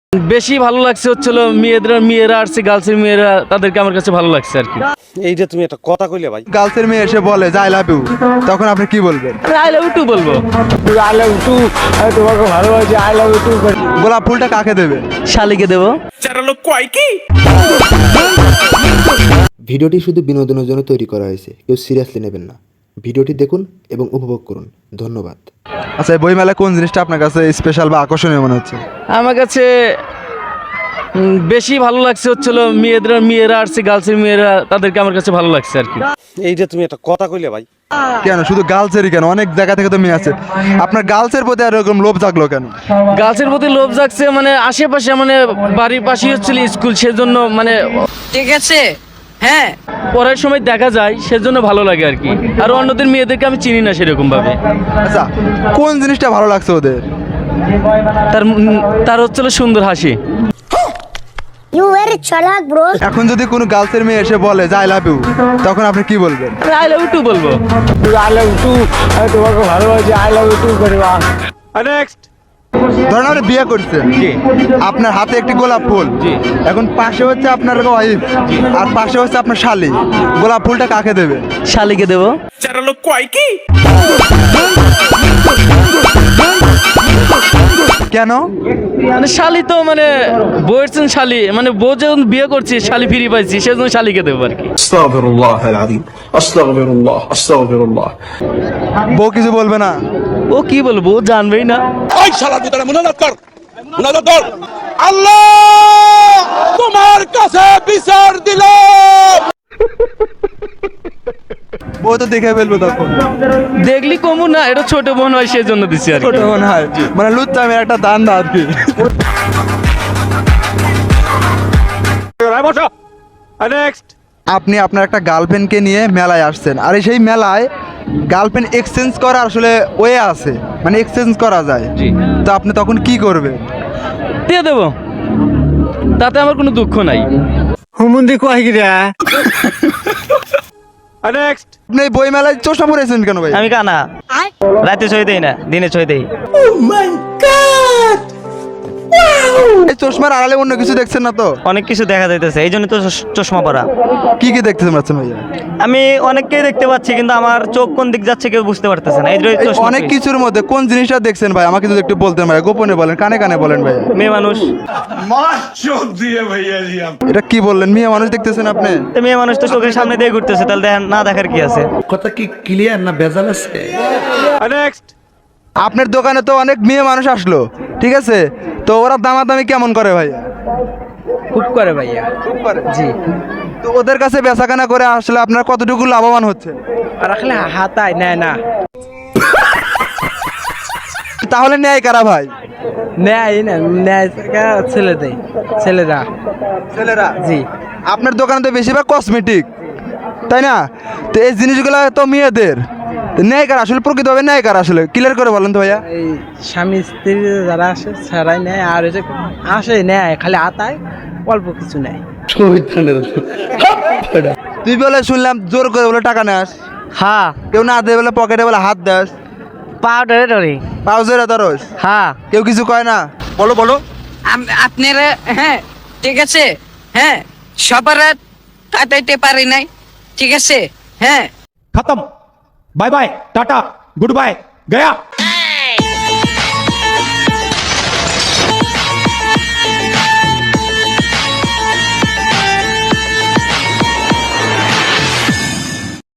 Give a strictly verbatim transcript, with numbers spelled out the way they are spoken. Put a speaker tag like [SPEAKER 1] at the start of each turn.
[SPEAKER 1] বেশি ভালো লাগছে হচ্ছিল মেয়েদের মেয়েরা আসছে গার্লসের মেয়েরা তাদেরকে আমার কাছে ভালো লাগছে আর কি।
[SPEAKER 2] এই যে তুমি একটা কথা কইলে ভাই,
[SPEAKER 3] গার্লসের মেয়ে এসে বলে যে আই লাভ ইউ, তখন আপনি কি বলবেন?
[SPEAKER 1] আই লাভ ইউ টু বলবো।
[SPEAKER 4] আই লাভ টু, আমি তোমাকে ভালোবাসি, আই লাভ টু।
[SPEAKER 3] গোলাপ ফুলটা কাকে দেবে?
[SPEAKER 1] শালিকে দেবো।
[SPEAKER 5] ভিডিওটি শুধু বিনোদনের জন্য তৈরি করা হয়েছে, কেউ সিরিয়াসলি নেবেন না। ভিডিওটি দেখুন এবং উপভোগ করুন। ধন্যবাদ।
[SPEAKER 3] আচ্ছা, এই বইমেলায় কোন জিনিসটা আপনার কাছে স্পেশাল বা আকর্ষণীয় মনে হচ্ছে?
[SPEAKER 1] আমার কাছে উম, বেশি ভালো লাগছে হচ্ছিল মেয়েদের মেয়েরা আসছে গার্লসের মেয়েরা তাদেরকে আমার কাছে ভালো লাগছে আর কি।
[SPEAKER 2] এই যে তুমি একটা কথা কইলে ভাই,
[SPEAKER 3] কেন শুধু গার্লসেরই কেন, অনেক জায়গা থেকে তো মেয়ে আছে, আপনার গার্লসের প্রতি আর এরকম লোভ জাগলো কেন?
[SPEAKER 1] গার্লসের প্রতি লোভ জাগছে মানে আশেপাশে মানে বাড়ির পাশেই হচ্ছিল স্কুল, সেজন্য মানে
[SPEAKER 6] ঠিক আছে হ্যাঁ
[SPEAKER 1] পড়ার সময় দেখা যায় সেজন্য ভালো লাগে আর কি। আর অন্যদের মেয়েদেরকে আমি চিনি না সেরকম ভাবে।
[SPEAKER 3] আচ্ছা, কোন জিনিসটা ভালো লাগছে ওদের?
[SPEAKER 1] তার উম, তার হচ্ছিল সুন্দর হাসি।
[SPEAKER 7] You very chalak, bro.
[SPEAKER 3] এখন যদি কোনো গার্লসের মেয়ে এসে বলে যে আই লাভ ইউ, তখন আপনি কি বলবেন?
[SPEAKER 1] আই লাভ ইউ টু বলবো।
[SPEAKER 4] আই লাভ টু, আমি তোমাকে ভালোবাসি, আই লাভ টু করে।
[SPEAKER 2] নেক্সট।
[SPEAKER 3] ধরেন আপনি বিয়ে করছেন, আপনার হাতে একটি গোলাপ ফুল, এখন পাশে হচ্ছে আপনার ওয়াইফ আর পাশে হচ্ছে আপনার শালি, গোলাপ ফুলটা কাকে দেবে?
[SPEAKER 1] শালিকে দেবো।
[SPEAKER 3] কেন?
[SPEAKER 1] মানে শালি তো মানে বউয়ের শালি, মানে বউ যখন বিয়ে করছি শালি ফিরি পাইছি সেজন্য শালিকে দেবো আর কি।
[SPEAKER 8] استغفر الله العظيم استغفر الله استغفر الله
[SPEAKER 3] বউ কিছু বলবে না?
[SPEAKER 1] ও কি বলবো, ও জানবেই না।
[SPEAKER 8] ওই শালার ভিতরে মুনাজাত কর মুনাজাত কর আল্লাহ তোমার কাছে বিচার দিলাম।
[SPEAKER 3] বউ তো দেখে ফেলবো তখন।
[SPEAKER 1] দেখলি কমু না, এটা ছোট বোন হয় সেজন্য দিছি আর কি।
[SPEAKER 3] ছোট মনে হয় মানে লুচ্চা মেয়ের একটা দান দা আর কি।
[SPEAKER 2] নেক্সট।
[SPEAKER 3] আপনি আপনার একটা গার্লফ্রেন্ডকে নিয়ে মেলায় আসছেন, আর এই সেই মেলায় গার্লফ্রেন্ড এক্সচেঞ্জ করা আসলে ওয়ে আছে, মানে এক্সচেঞ্জ করা যায়,
[SPEAKER 1] জি।
[SPEAKER 3] তো আপনি তখন কি করবেন?
[SPEAKER 1] দিয়ে দেবো, তাতে আমার কোনো দুঃখ নাই।
[SPEAKER 4] হুমুন্দি কয় গিরা
[SPEAKER 2] নেক্সট।
[SPEAKER 3] আপনি এই বই মেলায় চশমা পরেছেন কেন ভাই?
[SPEAKER 9] আমি কানা, রাতে ছয় দেই না, দিনে ছয় দেই।
[SPEAKER 3] এই চশমার আড়ালে অন্য কিছু দেখছেন না তো?
[SPEAKER 9] অনেক কিছু দেখা যাইতেছে, এই জন্য তো চশ- চশমা পরা।
[SPEAKER 3] কি কি দেখতেছেন পাচ্ছেন ভাইয়া?
[SPEAKER 9] আমি অনেককেই দেখতে পাচ্ছি কিন্তু আমার চোখ কোন দিক যাচ্ছে কেউ বুঝতে পারতেছে না, এই জন্য
[SPEAKER 3] এই
[SPEAKER 9] চশমা
[SPEAKER 3] অনেক
[SPEAKER 9] পরি।
[SPEAKER 3] কিছুর মধ্যে কোন জিনিসটা দেখছেন ভাই, আমাকে যদি একটু বলতেন ভাই, গোপনে বলেন, কানে কানে বলেন ভাই।
[SPEAKER 9] মেয়ে মানুষ,
[SPEAKER 3] এটা কি বললেন, মেয়ে মানুষ দেখতেছেন আপনি?
[SPEAKER 9] তো মেয়ে মানুষ তো চোখের সামনে দিয়ে ঘুরতেছে, তাহলে দেখা- না দেখার কি আছে?
[SPEAKER 8] কথা কি ক্লিয়ার না ভেজাল আছে?
[SPEAKER 2] নেক্সট।
[SPEAKER 3] আপনার দোকানে তো অনেক মেয়ে মানুষ আসলো, ঠিক আছে, তো ওরা দামাদামি কেমন করে ভাইয়া?
[SPEAKER 1] খুব করে ভাইয়া।
[SPEAKER 3] খুব করে।
[SPEAKER 1] জি।
[SPEAKER 3] তো ওদের কাছে বেচাকেনা করে আসলে আপনার কতটুকু লাভবান হচ্ছে?
[SPEAKER 1] রাখলে হাতায় নেয় না।
[SPEAKER 3] তাহলে নেয় কারা ভাই?
[SPEAKER 1] নেয় না, নেয় ছেলে দেয়, ছেলেরা।
[SPEAKER 3] ছেলেরা।
[SPEAKER 1] জি।
[SPEAKER 3] আপনার দোকানে তো বেশিরভাগ কসমেটিক, তাই না? তো এই জিনিসগুলো তো মেয়েদের, তো নেয় কারা আসলে, প্রকৃতভাবে নেয় কারা আসলে, ক্লিয়ার করে বলেন তো ভাইয়া।
[SPEAKER 1] এই স্বামী স্ত্রী যারা আসে ছাড়াই নেয়, আর ওই যে আসে নেয় খালি হাতায়, অল্প কিছু নেয়।
[SPEAKER 3] তুই বলে শুনলাম জোর করে বলে টাকা নেস,
[SPEAKER 9] হ্যাঁ,
[SPEAKER 3] কেউ না দেয় বলে পকেটে বলে হাত দেস,
[SPEAKER 9] পাউডারে ধরি।
[SPEAKER 3] পাউজের ধরস,
[SPEAKER 9] হ্যাঁ,
[SPEAKER 3] কেউ কিছু কয় না? বলো বলো।
[SPEAKER 6] আম- আপনারা হ্যাঁ ঠিক আছে হ্যাঁ সবার কাটাইতে পারি নাই, ঠিক আছে হ্যাঁ।
[SPEAKER 8] खत्म bye bye tata goodbye गया।